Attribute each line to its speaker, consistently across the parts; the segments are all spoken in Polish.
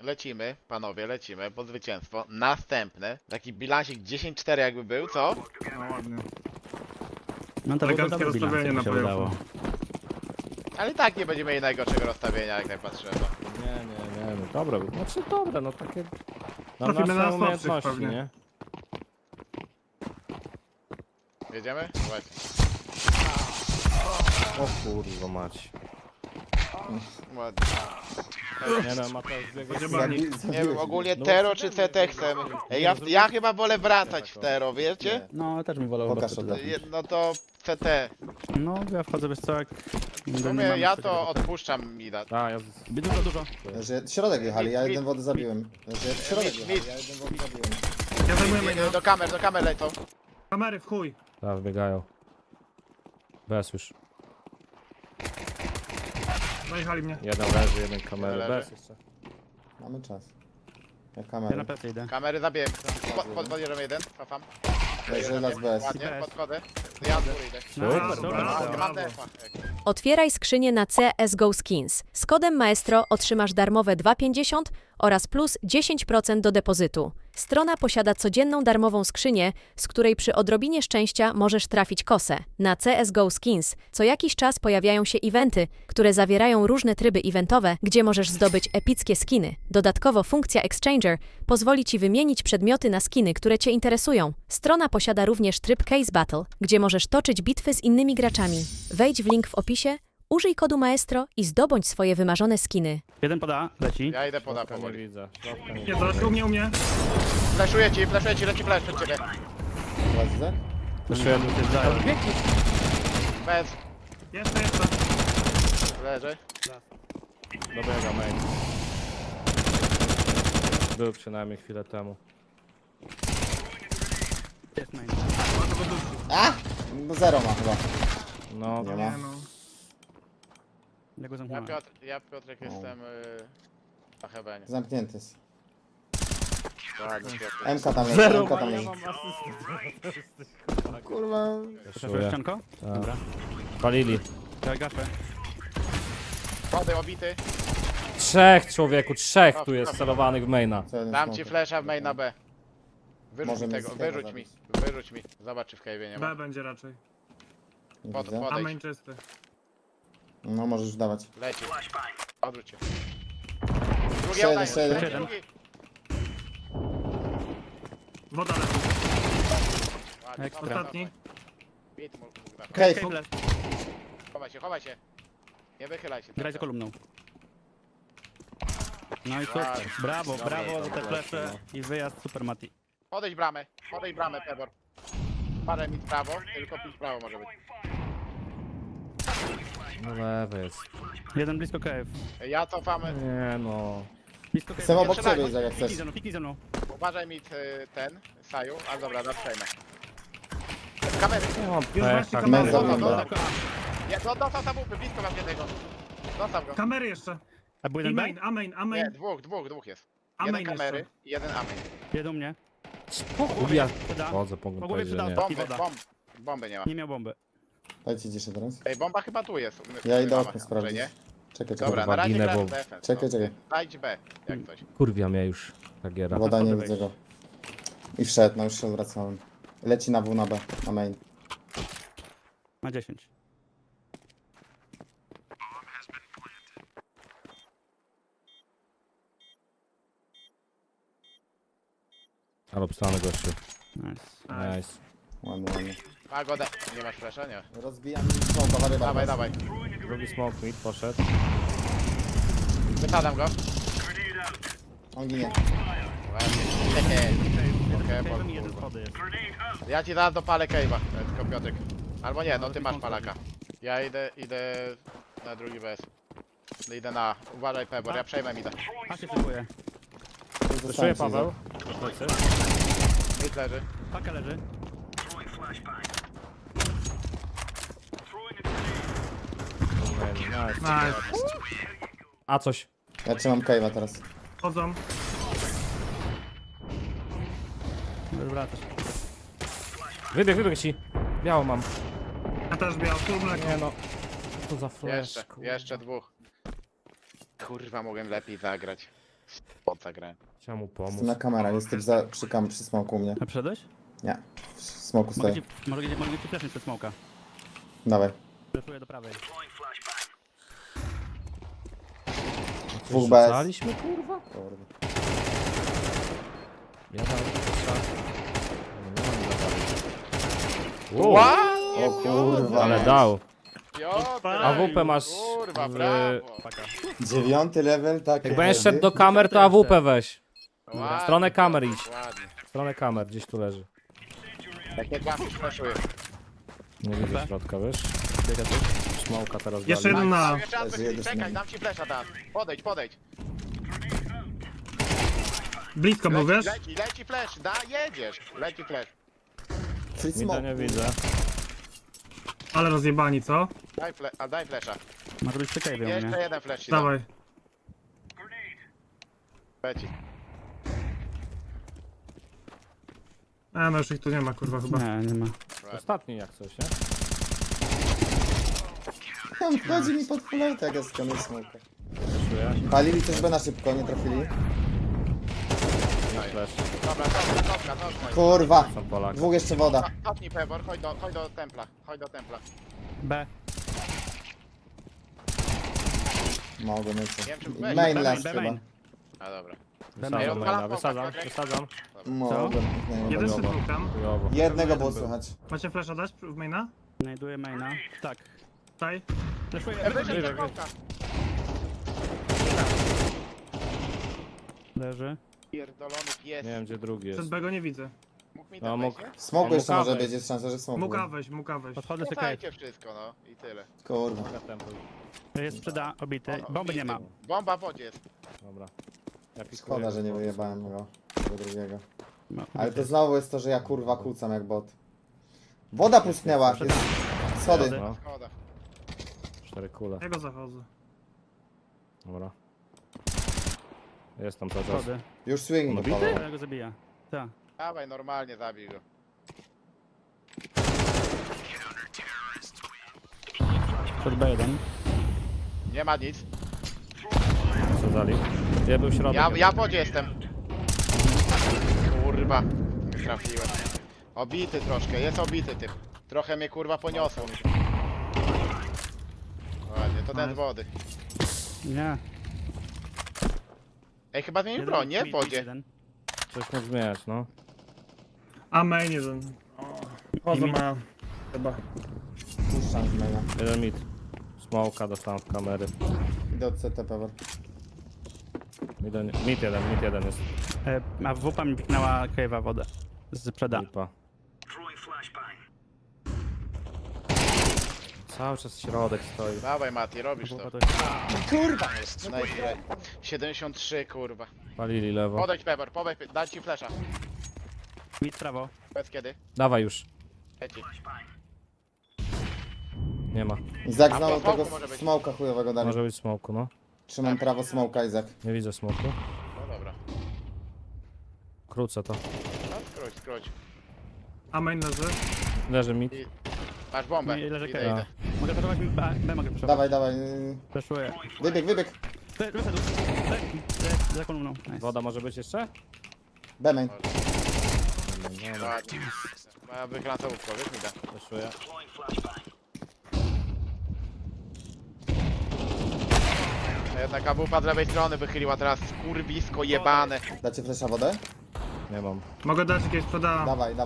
Speaker 1: lecimy, panowie, lecimy po zwycięstwo. Następne, taki bilansik 10-4 jakby był, co?
Speaker 2: No ładnie.
Speaker 3: No to
Speaker 2: Eleganckie
Speaker 3: byłby dobry
Speaker 2: rozstawienie
Speaker 3: bilans,
Speaker 2: na
Speaker 3: jakby się
Speaker 2: playoffy.
Speaker 3: udało.
Speaker 1: Ale i tak nie będziemy mieli najgorszego rozstawienia, jak tak patrzymy. No.
Speaker 4: Nie, no dobre, znaczy dobre, no takie... Na
Speaker 2: Trafimy
Speaker 4: nasze
Speaker 2: na słabszych
Speaker 4: umiejętności,
Speaker 2: pewnie.
Speaker 4: nie?
Speaker 1: Jedziemy? Właśnie.
Speaker 4: O kurwa mać.
Speaker 1: Ładnie.
Speaker 4: Nie no, Mateusz biegł...
Speaker 1: Nie wiem, ogólnie Tero czy CT chcemy. Ja chyba wolę wracać w Tero, wiecie?
Speaker 3: No, też mi wolał
Speaker 5: Pokaż
Speaker 3: chyba
Speaker 5: to.
Speaker 1: No to CT.
Speaker 3: No, ja wchodzę, wiesz co, jak...
Speaker 1: W sumie ja to odpuszczam mi da.
Speaker 4: A, ja...
Speaker 3: Dużo.
Speaker 5: Że środek jechali, ja jeden wody zabiłem. Że środek jechali, ja jeden wody zabiłem.
Speaker 2: Ja zajmuję main'a.
Speaker 1: Do kamer lecą.
Speaker 2: Kamery w chuj.
Speaker 4: Tak, biegają. Bez już.
Speaker 2: Najechali mnie.
Speaker 4: Jeden leży, jeden kamery,
Speaker 1: Jeden
Speaker 4: bez
Speaker 1: leży.
Speaker 4: jeszcze.
Speaker 5: Mamy czas. Ja
Speaker 3: Ja na
Speaker 5: kamerę.
Speaker 3: plecy idę.
Speaker 1: Kamery zabiję. Podjeżdżam jeden, cofam.
Speaker 5: Leży las bez.
Speaker 1: Ładnie,
Speaker 3: bez.
Speaker 1: podchodzę. Ja z góry idę.
Speaker 4: Super,
Speaker 2: Brawo.
Speaker 1: Mam defa.
Speaker 6: Otwieraj skrzynię na CSGO Skins. Z kodem Maestro otrzymasz darmowe 2,50 oraz plus 10% do depozytu. Strona posiada codzienną darmową skrzynię, z której przy odrobinie szczęścia możesz trafić kosę. Na CSGO Skins co jakiś czas pojawiają się eventy, które zawierają różne tryby eventowe, gdzie możesz zdobyć epickie skiny. Dodatkowo funkcja Exchanger pozwoli Ci wymienić przedmioty na skiny, które Cię interesują. Strona posiada również tryb Case Battle, gdzie możesz toczyć bitwy z innymi graczami. Wejdź w link w opisie, użyj kodu Maestro i zdobądź swoje wymarzone skiny.
Speaker 3: Jeden poda, leci.
Speaker 1: Ja idę poda
Speaker 4: Środka nie
Speaker 1: powoli.
Speaker 4: widzę. Środka nie
Speaker 2: Nie,
Speaker 4: widzę.
Speaker 2: zaraz u mnie.
Speaker 1: Flashuję ci, leci flash przed ciebie.
Speaker 5: Ładnie?
Speaker 4: Jeszcze jeden.
Speaker 1: Bez.
Speaker 2: Jeszcze.
Speaker 1: Leży.
Speaker 4: Dobiega main. Był przynajmniej chwilę temu.
Speaker 3: Jest main.
Speaker 5: A! No zero ma chyba.
Speaker 4: No,
Speaker 5: Nie
Speaker 2: Nie
Speaker 5: ma.
Speaker 2: no.
Speaker 3: Ja go zamknąłem.
Speaker 1: Ja Piotrek jestem na hebenie.
Speaker 5: Zamknięty jest.
Speaker 1: Ładnie, Piotr.
Speaker 5: MK tam leży,
Speaker 4: zero
Speaker 5: MK tam
Speaker 4: ma, ja
Speaker 5: leży.
Speaker 4: mam asystę.
Speaker 5: Kurwa.
Speaker 3: Przeszłeś ścianko? Dobra.
Speaker 4: Palili.
Speaker 3: Ja gaszę.
Speaker 1: Wody obity.
Speaker 4: Trzech człowieku, trzech tu jest celowanych w maina.
Speaker 5: Co jeden
Speaker 1: Dam ci
Speaker 5: smoker.
Speaker 1: flasha w main na B. Wyrzuć
Speaker 5: Może
Speaker 1: mi
Speaker 5: mnie
Speaker 1: tego,
Speaker 5: z tego
Speaker 1: wyrzuć mi. Zobacz czy w cave'ie nie ma.
Speaker 2: B będzie raczej.
Speaker 5: Nie
Speaker 1: Pod-
Speaker 5: widzę.
Speaker 1: pod-
Speaker 2: A main czysty.
Speaker 5: No możesz dawać.
Speaker 1: Leci. Odwróć się. Drugi
Speaker 5: Jeszcze
Speaker 1: oddaję,
Speaker 5: jeden, jeszcze
Speaker 3: jeden.
Speaker 1: drugi.
Speaker 2: Woda leży.
Speaker 1: Ładnie,
Speaker 3: Ekstra.
Speaker 1: dobra,
Speaker 2: Ostatni.
Speaker 1: dawaj. Bit mógł dać.
Speaker 5: Cave.
Speaker 3: Cave left.
Speaker 1: Chowaj się. Nie wychylaj się.
Speaker 3: Graj za kolumną. No i
Speaker 1: Ładnie.
Speaker 3: super. Brawo za te flesze i wyjazd super Mati.
Speaker 1: Podejdź bramę, Pebor. Parę mi w prawo, tylko pić w prawo może być.
Speaker 4: No lewy jest.
Speaker 3: Jeden blisko cave.
Speaker 1: Ja cofam,
Speaker 4: Nie no.
Speaker 3: Blisko cave.
Speaker 5: Jestem obok
Speaker 1: Strzelaj.
Speaker 5: ciebie, Izak, jak chcesz.
Speaker 3: Piknij ze mną.
Speaker 1: uważaj mi ten, Saju, ale dobra, przejmę. Kamery,
Speaker 4: Nie mam
Speaker 2: Już właśnie
Speaker 4: pecha.
Speaker 2: kamery.
Speaker 5: Męza
Speaker 1: no,
Speaker 5: wygląda.
Speaker 1: ja dostał zabupy, blisko mam jednego. Zostaw go.
Speaker 2: Kamery jeszcze.
Speaker 3: A był
Speaker 2: I
Speaker 3: jeden
Speaker 2: main,
Speaker 3: B?
Speaker 2: a main.
Speaker 1: Nie, dwóch jest.
Speaker 2: A
Speaker 1: Jeden
Speaker 2: main
Speaker 1: kamery
Speaker 2: jeszcze.
Speaker 1: i jeden amen.
Speaker 3: Jeden u mnie.
Speaker 4: Ja
Speaker 3: Poda.
Speaker 4: chodzę,
Speaker 3: Po
Speaker 4: mogę
Speaker 3: głowie
Speaker 4: powiedzieć, że
Speaker 3: przydał.
Speaker 4: nie.
Speaker 3: Woda.
Speaker 1: Bomby nie ma.
Speaker 3: Nie miał bomby.
Speaker 5: Dajcie ciszę teraz.
Speaker 1: Ej, bomba chyba tu jest.
Speaker 5: Ja idę
Speaker 1: Mama,
Speaker 5: okno sprawdzić.
Speaker 1: nie?
Speaker 5: Czekaj,
Speaker 1: Dobra,
Speaker 5: czekaj.
Speaker 1: na razie
Speaker 4: ginę,
Speaker 1: gra
Speaker 4: bo-
Speaker 1: w defense.
Speaker 5: Czekaj,
Speaker 1: no.
Speaker 5: czekaj.
Speaker 1: Dajdź B, jak coś.
Speaker 4: Kurwia mnie już ta giera.
Speaker 5: Woda nie
Speaker 3: Wejść.
Speaker 5: widzę go. I wszedł, no już się odwracałem. Leci na W, na B, na main.
Speaker 3: Ma 10.
Speaker 4: Ale obstany gościu.
Speaker 3: Nice.
Speaker 4: Nice.
Speaker 5: Ładnie, ładnie.
Speaker 1: A go nie masz flasha? Nie.
Speaker 5: Rozbijam smoka, wary
Speaker 1: Dawaj.
Speaker 4: Drugi smoke mid poszedł.
Speaker 1: Wysadzam go.
Speaker 5: On ginie.
Speaker 1: Ładnie.
Speaker 3: Jeden
Speaker 1: Okej,
Speaker 3: cave'em
Speaker 1: bo-
Speaker 3: i jeden schody jest.
Speaker 1: Ja ci zaraz dopalę cave'a, tylko Piotrek. Albo nie, no ty masz palaka. Ja idę na drugi BS. Idę na... Uważaj Pebor, ja przejmę mida.
Speaker 3: A się szykuje.
Speaker 4: Zeszuję Paweł. Plecy.
Speaker 1: Mid leży.
Speaker 3: Paka leży.
Speaker 4: Nice.
Speaker 2: Nice.
Speaker 4: A coś.
Speaker 5: Ja trzymam cave'a teraz.
Speaker 2: Chodzą.
Speaker 3: Wracasz.
Speaker 4: Wybieg ci. Biało mam.
Speaker 2: Ja też biał. Tu mleko.
Speaker 4: Nie no. Co za flash.
Speaker 1: Jeszcze dwóch. Kurwa, mogłem lepiej zagrać. pod zagrałem.
Speaker 4: Chciałem mu pomóc.
Speaker 5: Jestem na kamera, jestem przy smoku u mnie.
Speaker 3: A przyszedłeś?
Speaker 5: Nie, w smoku
Speaker 3: Mogę
Speaker 5: stoję.
Speaker 3: ci flashnąć przed smoka.
Speaker 5: Dawaj.
Speaker 3: Flashuję do prawej.
Speaker 5: Dwóch bez.
Speaker 4: Rzucaliśmy, kurwa?
Speaker 5: Kurwa.
Speaker 4: Ja dałem strzał.
Speaker 5: O kurwa.
Speaker 4: Ale dał.
Speaker 1: Piotr!
Speaker 4: AWP masz
Speaker 1: Kurwa,
Speaker 4: w-
Speaker 1: brawo!
Speaker 5: 9 level, tak.
Speaker 4: Jak będziesz szedł do kamer, to AWP weź.
Speaker 1: Ładnie,
Speaker 4: W stronę kamer idź.
Speaker 1: Ładnie.
Speaker 4: W stronę kamer, gdzieś tu leży.
Speaker 1: Jak nie trafisz, flashuję.
Speaker 4: Nie widzę środka, wiesz?
Speaker 3: Biega tu.
Speaker 4: Smoka teraz
Speaker 2: Jeszcze
Speaker 4: wali.
Speaker 2: jeden na...
Speaker 1: Jeszcze raz,
Speaker 5: Jezu,
Speaker 1: czekaj,
Speaker 5: jezu.
Speaker 1: dam ci flesza teraz. Podejdź.
Speaker 2: Blisko był, wiesz?
Speaker 1: Leci flash, jedziesz. Leci flash.
Speaker 5: Czyli
Speaker 4: Mida
Speaker 5: smok.
Speaker 4: nie widzę.
Speaker 2: Ale rozjebani, co?
Speaker 1: Daj flesza.
Speaker 3: Może być przy cave'ie u
Speaker 1: Jeszcze
Speaker 3: mnie.
Speaker 1: jeden flash ci dam.
Speaker 2: Dawaj.
Speaker 1: Leci.
Speaker 2: No już ich tu nie ma, kurwa, chyba.
Speaker 3: Nie ma.
Speaker 4: Ostatni jak coś, nie?
Speaker 5: On wchodzi mi pod fulejtę, jak ja skanuję smoka.
Speaker 4: Czuję.
Speaker 5: Palili też B na szybko, nie trafili.
Speaker 4: Flash.
Speaker 1: Dobra, dobra.
Speaker 5: Kurwa.
Speaker 4: Są Polak.
Speaker 5: Dwóch jeszcze woda.
Speaker 1: Cofnij Pebor, chodź do templa.
Speaker 3: B.
Speaker 5: Mogłem
Speaker 1: Nie
Speaker 5: jeszcze.
Speaker 1: wiem, czy weź.
Speaker 5: Main
Speaker 3: B
Speaker 5: last
Speaker 3: B
Speaker 5: chyba.
Speaker 3: main.
Speaker 1: A dobra.
Speaker 4: Wysadzam maina, wysadzam.
Speaker 5: Mogłem. Nie,
Speaker 2: Jeden
Speaker 5: mogłem.
Speaker 2: szybko tam.
Speaker 4: Chujowo.
Speaker 5: Jednego było słychać.
Speaker 2: Macie flasha dać w maina?
Speaker 3: Znajduję maina. Tak.
Speaker 2: Daj.
Speaker 3: Flashuję.
Speaker 1: Wyżej do smoka.
Speaker 3: Leży.
Speaker 1: Pierdolony pies.
Speaker 4: Nie wiem gdzie drugi jest.
Speaker 2: Przed B go nie widzę.
Speaker 1: Mógł mi
Speaker 4: No,
Speaker 1: tam
Speaker 4: mógł.
Speaker 1: wejść, nie?
Speaker 5: W smoku
Speaker 4: On
Speaker 5: jeszcze
Speaker 4: mógł
Speaker 5: może
Speaker 4: wejść.
Speaker 5: być, jest szansa, że w smoku.
Speaker 2: Mógł wejść.
Speaker 3: Podchodzę przy cave.
Speaker 1: Dajcie wszystko, no. I tyle.
Speaker 5: Kurwa.
Speaker 4: Mogę tempo.
Speaker 3: Jest sprzeda obity. Bomby nie ma.
Speaker 1: Bomba w wodzie jest.
Speaker 4: Dobra. Ja pikuję.
Speaker 5: Szkoda, że nie wyjebałem go. Tego drugiego.
Speaker 3: No.
Speaker 5: Ale to znowu jest to, że ja kurwa kłócam jak bot. Woda pusknęła. Jest... Schody.
Speaker 4: No,
Speaker 1: Szkoda.
Speaker 4: 4 kule.
Speaker 2: Ja go zachodzę.
Speaker 4: Dobra. Jest tam cały czas.
Speaker 3: Schody.
Speaker 5: Już swing
Speaker 4: No
Speaker 5: go palował.
Speaker 3: Ja go zabija. Tak.
Speaker 1: Dawaj, normalnie zabij go.
Speaker 3: Przed B1.
Speaker 1: Nie ma nic.
Speaker 4: Wysadzali. Ja był środek.
Speaker 1: Ja w wodzie jestem. Kurwa. Nie trafiłem. Obity troszkę, jest obity typ. Trochę mnie kurwa poniosło. Ładnie, to ten z wody.
Speaker 3: Nie.
Speaker 1: Ej, chyba zmienił broń, nie? W wodzie.
Speaker 3: Jeden.
Speaker 4: Coś mógł zmieniać, no.
Speaker 2: A main jeden. Chodzą ma... Chyba.
Speaker 5: Puszczam z maina.
Speaker 4: Jeden mid. Smoka dostałem w kamery.
Speaker 5: Idę od CT power.
Speaker 4: Mid jeden jest.
Speaker 3: A WP mi piknęła cave'a wodę. Z przeda.
Speaker 4: Lipa. Cały czas środek stoi.
Speaker 1: Dawaj Mati, robisz to.
Speaker 3: WP to jest...
Speaker 5: Kurwa!
Speaker 1: Nice. 73 kurwa.
Speaker 4: Palili lewo.
Speaker 1: Podejdź Pebor, daj ci flesza.
Speaker 3: Mid prawo.
Speaker 1: Bez kiedy?
Speaker 4: Dawaj już.
Speaker 1: Leci.
Speaker 4: Nie ma.
Speaker 5: Izak
Speaker 1: A
Speaker 5: znowu
Speaker 1: po smoku
Speaker 5: tego
Speaker 1: może być.
Speaker 5: smoka chujowego dali.
Speaker 4: Może być smoku, no.
Speaker 5: Trzymam prawo smoka, Izak.
Speaker 4: Nie widzę smoku.
Speaker 1: No dobra.
Speaker 4: Krócę to.
Speaker 1: No, skróć.
Speaker 2: A main leży.
Speaker 4: Leży mid.
Speaker 1: Masz bombę.
Speaker 3: Nie, leży
Speaker 1: Idę,
Speaker 3: cave'a.
Speaker 1: idę.
Speaker 3: Mogę flashować B mogę flashować.
Speaker 5: Dawaj, dawaj.
Speaker 3: Flashuję.
Speaker 5: Wybieg.
Speaker 3: Wyszedł. Za kolumną. Nice.
Speaker 4: Woda może być jeszcze?
Speaker 5: B-main.
Speaker 1: Ładnie. Moja wykręcałówka, wiesz mi da.
Speaker 4: Wyszuję.
Speaker 1: Jednak AWP z lewej strony wychyliła teraz kurwisko jebane.
Speaker 5: Dacie flesza wodę?
Speaker 4: Nie mam.
Speaker 2: Mogę dać jakieś sprzeda.
Speaker 5: Dawaj.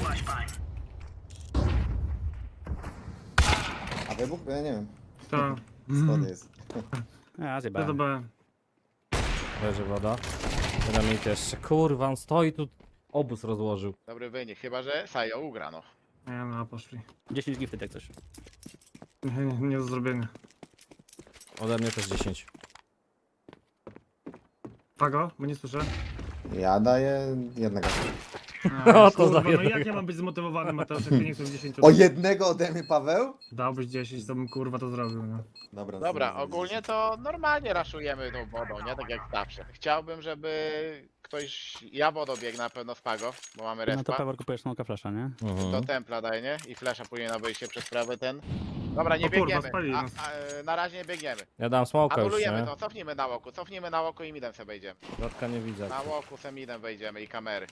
Speaker 5: A wybuch? Ja nie wiem.
Speaker 2: To.
Speaker 5: Schody jest.
Speaker 3: Ja
Speaker 2: Ja
Speaker 3: zjebałem.
Speaker 2: do B.
Speaker 4: Leży woda. Jeden mid jeszcze. Kurwa, on stoi tu. Obóz rozłożył.
Speaker 1: Dobry wynik, chyba że Sajo ugra no.
Speaker 2: Nie no, poszli.
Speaker 3: 10 gifty jak coś.
Speaker 2: Nie do zrobienia.
Speaker 4: Ode mnie też 10.
Speaker 2: Pago? Bo nie słyszę.
Speaker 5: Ja daję jednego.
Speaker 4: No, to
Speaker 2: kurwa,
Speaker 4: za
Speaker 2: no jak
Speaker 4: jednego.
Speaker 2: ja mam być zmotywowany, Mateusz, jak ty nie chcesz 10?
Speaker 5: O jednego ode mnie, Paweł?
Speaker 2: Dałbyś 10, to bym kurwa to zrobił, no.
Speaker 5: Dobra,
Speaker 1: Dobra,
Speaker 5: zrobię
Speaker 1: ogólnie
Speaker 5: 10.
Speaker 1: to normalnie raszujemy tą wodą, nie? Tak jak zawsze. Chciałbym, żeby ktoś... Ja wodą biegnę na pewno z Pago, bo mamy
Speaker 3: No to
Speaker 1: respa.
Speaker 3: Pewor kupujesz smoka flasha, nie?
Speaker 1: Do
Speaker 4: Mhm.
Speaker 1: templa daj, nie? I flasha później na wyjście przez prawy ten. Dobra, nie
Speaker 2: O kurwa,
Speaker 1: biegniemy.
Speaker 2: spalili nas.
Speaker 1: Na razie nie biegniemy.
Speaker 4: Ja dam smoka już,
Speaker 1: Anulujemy
Speaker 4: nie?
Speaker 1: to, cofnijmy na łoku i midem sobie wejdziemy.
Speaker 4: Środka nie widzę.
Speaker 1: Na łoku se midem wejdziemy i kamery.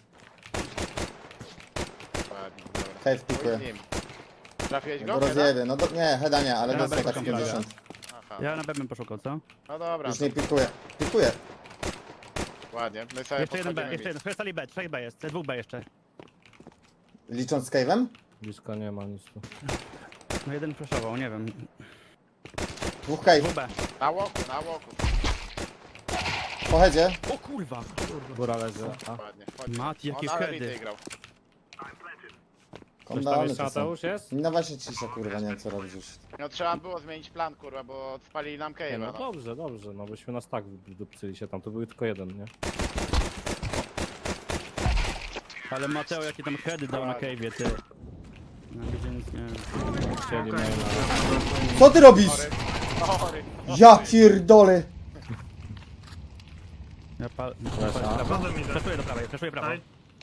Speaker 1: Ładnie, dobra.
Speaker 5: Cave pikuje.
Speaker 1: Chuj z nim. Trafiłeś go?
Speaker 5: No
Speaker 1: Heada?
Speaker 5: rozjebie, no nie, heada nie, ale
Speaker 3: Ja
Speaker 5: dostał
Speaker 3: będę
Speaker 5: tak
Speaker 3: szukał
Speaker 5: 50.
Speaker 1: Aha,
Speaker 3: Ja na B bym poszukał, co?
Speaker 1: no dobra,
Speaker 5: Już nie pikuje. Pikuje.
Speaker 1: ładnie. My sobie
Speaker 3: Jeszcze jeden B,
Speaker 1: podchodzimy
Speaker 3: jeszcze jeden. Przestali B, 3 B jest, 2 B jeszcze.
Speaker 5: Licząc z cave'em?
Speaker 4: Blisko nie ma nic tu.
Speaker 3: No jeden flashował, nie wiem.
Speaker 5: Dwóch cave.
Speaker 3: 2 B.
Speaker 1: Na łoku, na łoku.
Speaker 5: Po headzie.
Speaker 3: O kurwa!
Speaker 4: Góra leży. A.
Speaker 1: Ładnie. Chodź.
Speaker 3: Mati, jakie
Speaker 1: On ale
Speaker 3: heady.
Speaker 1: retake grał.
Speaker 4: Coś tam
Speaker 5: Kondony
Speaker 4: jeszcze
Speaker 5: to są.
Speaker 4: Mateusz jest?
Speaker 5: No właśnie cisza, kurwa, nie wiem co robisz już.
Speaker 1: No trzeba było zmienić plan, kurwa, bo spalili nam
Speaker 4: Nie,
Speaker 1: cave'a,
Speaker 4: no
Speaker 1: no.
Speaker 4: dobrze, dobrze, no byśmy nas tak wydupcyli się tam, to był tylko jeden, nie?
Speaker 3: Ale Mateo, jakie tam heady dał na cave'ie, ty. Na gdzie nic nie...
Speaker 4: Chcieli
Speaker 2: Okej.
Speaker 4: maila.
Speaker 5: Co ty robisz?
Speaker 1: Sorry.
Speaker 5: Ja pierdolę.
Speaker 3: Ja pal...
Speaker 4: Flasha.
Speaker 2: Wodę mi da.
Speaker 3: Flashuję do prawej, flashuję prawo.
Speaker 2: Daj,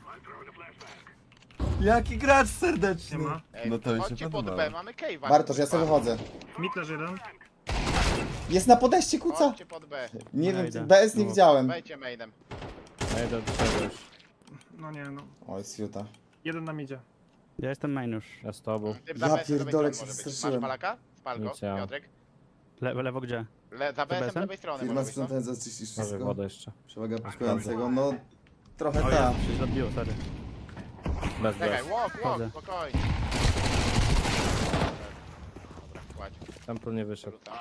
Speaker 7: Jaki gracz serdeczny.
Speaker 2: nie ma.
Speaker 1: Ej,
Speaker 7: No to mi się
Speaker 1: chodźcie pod
Speaker 7: podobało.
Speaker 1: B, mamy cave'a.
Speaker 5: Bartosz, ja sobie wychodzę.
Speaker 2: Mid leży jeden.
Speaker 5: Jest na podejście, kuca?
Speaker 1: Chodźcie pod B.
Speaker 5: Nie
Speaker 3: Ja
Speaker 5: wiem,
Speaker 3: idę.
Speaker 5: BS nie
Speaker 4: No.
Speaker 5: widziałem.
Speaker 1: Wejdźcie mainem.
Speaker 4: Ja idę do ciebie już.
Speaker 2: No nie, no.
Speaker 5: Oj, siuta.
Speaker 2: Jeden na midzie.
Speaker 3: Ja jestem main już.
Speaker 4: Ja z tobą.
Speaker 1: Typ
Speaker 5: Ja
Speaker 1: za BS-em do
Speaker 5: pierdolę,
Speaker 1: lewej strony
Speaker 5: się
Speaker 1: może być.
Speaker 5: wystraszyłem.
Speaker 1: Masz palaka? Spal go,
Speaker 4: Nic ja.
Speaker 1: Piotrek.
Speaker 3: Lewo gdzie?
Speaker 1: Za BS-em
Speaker 3: BS-em?
Speaker 1: z lewej strony
Speaker 7: Firma
Speaker 1: może być, no.
Speaker 7: sprzątając zaczyścisz
Speaker 4: Może
Speaker 7: wszystko.
Speaker 4: wodę jeszcze.
Speaker 7: Przewaga poszukującego, no trochę
Speaker 3: O,
Speaker 7: ta.
Speaker 3: się zabiło, sorry.
Speaker 4: Bez,
Speaker 1: Czekaj,
Speaker 4: bez.
Speaker 1: walk,
Speaker 3: Wchodzę.
Speaker 1: spokojnie. Dobra, kładź.
Speaker 4: Temple nie wyszedł.
Speaker 1: Rzucam.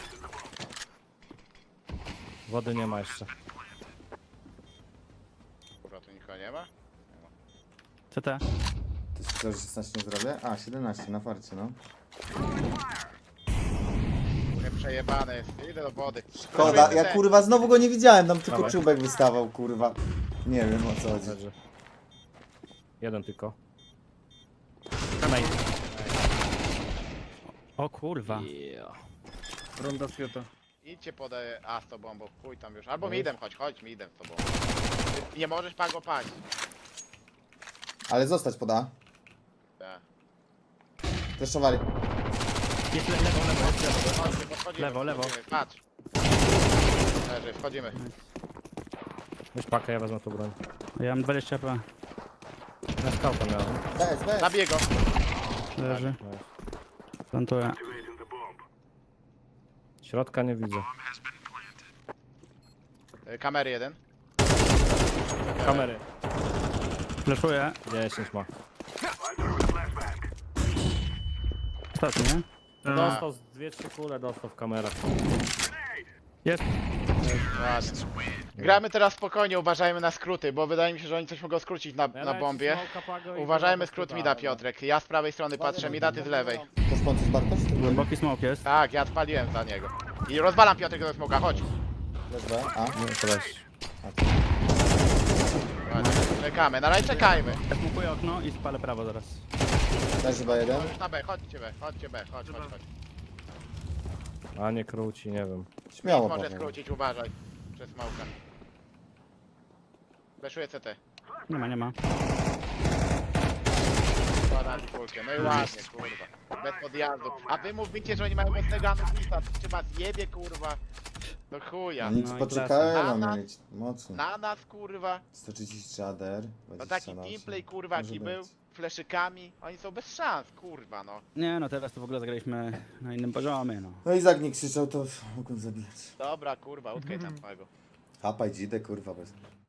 Speaker 4: Wody nie ma jeszcze.
Speaker 1: Kurwa, tu nikogo nie ma?
Speaker 3: CT.
Speaker 5: Ty słyszałeś, że 16 nie zrobię? A, 17 na farcie, no.
Speaker 1: Trochę przejebane jest. Idę do wody.
Speaker 5: Szkoda, ja kurwa znowu go nie widziałem, tam tylko
Speaker 4: Dawaj.
Speaker 5: czubek wystawał, kurwa. Nie wiem o co chodzi.
Speaker 4: Leży. Jeden tylko.
Speaker 3: Main. O kurwa.
Speaker 2: Ronda z Fiota.
Speaker 1: Idźcie pod A z tobą, bo chuj tam już. Albo midem chodź midem z tobą. Ty nie możesz Pago paść.
Speaker 5: Ale zostać poda.
Speaker 1: Tak.
Speaker 5: Fleszowali.
Speaker 3: Jest lewo, lewo.
Speaker 1: Chodźcie, podchodzimy,
Speaker 3: Lewo, lewo.
Speaker 1: podchodzimy. Patrz. Leży, wchodzimy.
Speaker 4: Weź pakę, ja wezmę tu broń.
Speaker 3: Ja mam 20 HP.
Speaker 4: Na skałkę miałem.
Speaker 5: Bez.
Speaker 1: Zabiję go.
Speaker 3: Leży.
Speaker 4: Nice.
Speaker 3: Plantuję.
Speaker 4: Środka nie widzę.
Speaker 1: Kamery jeden.
Speaker 4: Kamery.
Speaker 3: Flashuję.
Speaker 4: 10 ma.
Speaker 3: Ostatni, nie?
Speaker 4: Dostał z 2-3 kule, dostał w kamerach.
Speaker 3: Jest.
Speaker 1: Ładnie. Gramy teraz spokojnie, uważajmy na skróty, bo wydaje mi się, że oni coś mogą skrócić na
Speaker 4: dałem
Speaker 1: bombie.
Speaker 4: ci smoka, Pago, i
Speaker 1: Uważajmy
Speaker 4: woda
Speaker 1: skrót
Speaker 4: bez
Speaker 1: mida,
Speaker 4: cuda,
Speaker 1: Piotrek. Ja z prawej strony patrzę, mida, ty z lewej.
Speaker 5: To spączysz Bartosz?
Speaker 3: Głęboki smoke jest.
Speaker 1: Tak, ja odpaliłem za niego. I rozwalam Piotrek do smoka, chodź.
Speaker 5: Bez B. A?
Speaker 4: No to weź.
Speaker 1: Ładnie. Czekamy, na razie czekajmy.
Speaker 3: Ja smokuję okno i spalę prawo zaraz.
Speaker 5: Też chyba jeden.
Speaker 1: Na B, chodźcie B, chodź.
Speaker 4: A nie króci, nie wiem.
Speaker 5: Śmiało,
Speaker 1: Może
Speaker 5: Paweł.
Speaker 1: skrócić, uważaj. Przez małka. Fleszuję CT.
Speaker 3: Nie ma.
Speaker 1: Składam kulkę, no i ładnie, kurwa. Bez podjazdu. A wy mówicie, że oni mają mocnego anusa, czy was jebie, kurwa. Do chuja.
Speaker 5: Nic
Speaker 3: No i
Speaker 5: poczekałem,
Speaker 1: klasa.
Speaker 5: mam mieć. Mocno.
Speaker 1: Na nas, kurwa.
Speaker 5: 133 ADR.
Speaker 1: No taki
Speaker 5: 20 na
Speaker 1: gameplay,
Speaker 5: 8.
Speaker 1: kurwa,
Speaker 5: Może
Speaker 1: jaki
Speaker 5: być.
Speaker 1: był. Fleszykami. Oni są bez szans, kurwa, no.
Speaker 3: Nie no, teraz to w ogóle zagraliśmy na innym poziomie, no.
Speaker 5: No i Izak nie krzyczał, to mogłem zabijać.
Speaker 1: Dobra, kurwa, utkaj tam małego.
Speaker 5: Hapaj dzidę, kurwa, bez.